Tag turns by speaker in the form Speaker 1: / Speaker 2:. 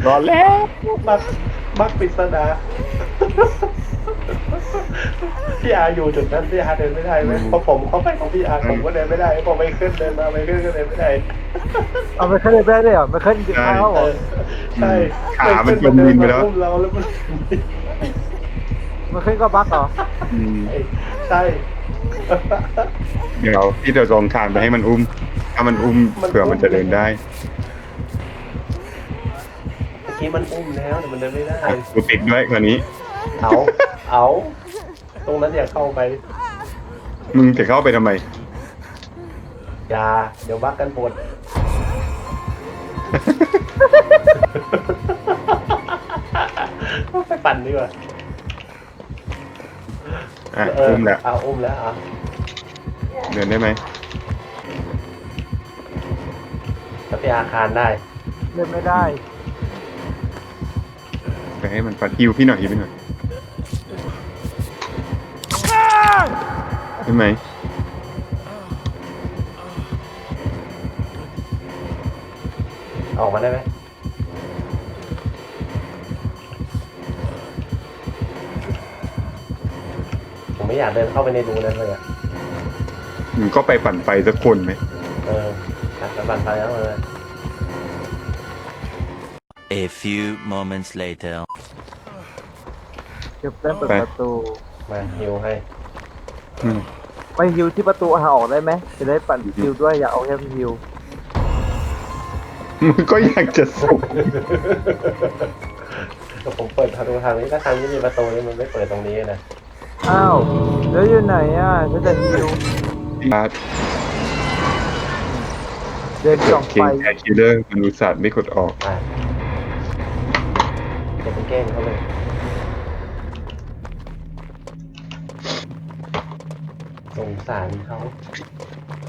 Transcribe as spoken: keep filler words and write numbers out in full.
Speaker 1: นอนแล้ว
Speaker 2: บักบักปริศนาพี่อาอยู่จุดนั้นพี่อาเดินไม่ได้ไหมเพราะผมเข้าไปของพี่อาผมก็เดินไม่ได้พอไม่ขึ้นเดินมาไม่ขึ้นก็เดินไม่ได้
Speaker 3: เอาไปขึ้นเลยได้เลยเหรอไม่ขึ้นกินข้าวเหร
Speaker 2: เอ
Speaker 3: อ
Speaker 2: อใช่
Speaker 1: ขามันจมดินไปแล้ว
Speaker 2: อุ้มเราแล้วมัน
Speaker 3: มันขึ้นก็บักเหรอ
Speaker 1: อืม
Speaker 2: ใช่
Speaker 1: เดี๋ยวพี่จะลองทานไปให้มันอุ้ม ถ้ามันอุ้มเผื่อมันจะเดินได้
Speaker 2: เมื่อกี้มันอุ้มแล้วแต่มันเดินไม่ได้
Speaker 1: อ่ะกูติดด้วยกว่านี้
Speaker 2: เอาเอาตรงนั้นอย่าเข้าไป
Speaker 1: มึงจะเข้าไปทำไม
Speaker 2: อย่าเดี๋ยวบักกันปวดไปปั่นดีกว่า
Speaker 1: อ่ะ
Speaker 2: เออ
Speaker 1: อุ้มแล้ว
Speaker 2: เอาอุ้มแล้วอ่ะ
Speaker 1: เดินได้ไหม
Speaker 2: จะไปอาคารได้
Speaker 3: เล่นไม่ได้
Speaker 1: ไปให้มันฟัดฮิวพี่หน่อยฮิวพี่หน่อยได้ไหม
Speaker 2: ออกมาได้ไหมผมไม่อยากเดินเข้าไปในรูนั้นเลยอ่ะ
Speaker 1: มึงก็ไปปั่นไฟสักคนไหม
Speaker 2: เออตัดกระบันไปแล้วเลย
Speaker 4: A few moments later.
Speaker 3: เก็บเล่นเปิดประตู
Speaker 2: มาฮิวให้
Speaker 1: อืม
Speaker 3: ไปฮิวที่ประตูหาออกได้ไหมจะได้ปั่นฮิวด้วยอย่าเอาแค่ฮิว
Speaker 1: มึงก็อยากจะส่ง
Speaker 2: ก็ผมเปิดประตูทางนี้ถ้าทางนี้มีประตูนี่มันไม่เปิดตรงนี้นะ
Speaker 3: อ้าวแล้วอยู่ไหนอ่ะฉันจะฮิว
Speaker 1: มา
Speaker 3: เดินจ่อง
Speaker 1: เก่
Speaker 3: ไป
Speaker 1: งแคร์คิลเลอร์มนุษย์ศาสตร์ไม่กดออก
Speaker 2: อ่ะจะเป็นแกล้งเขาเลยสงสารเขา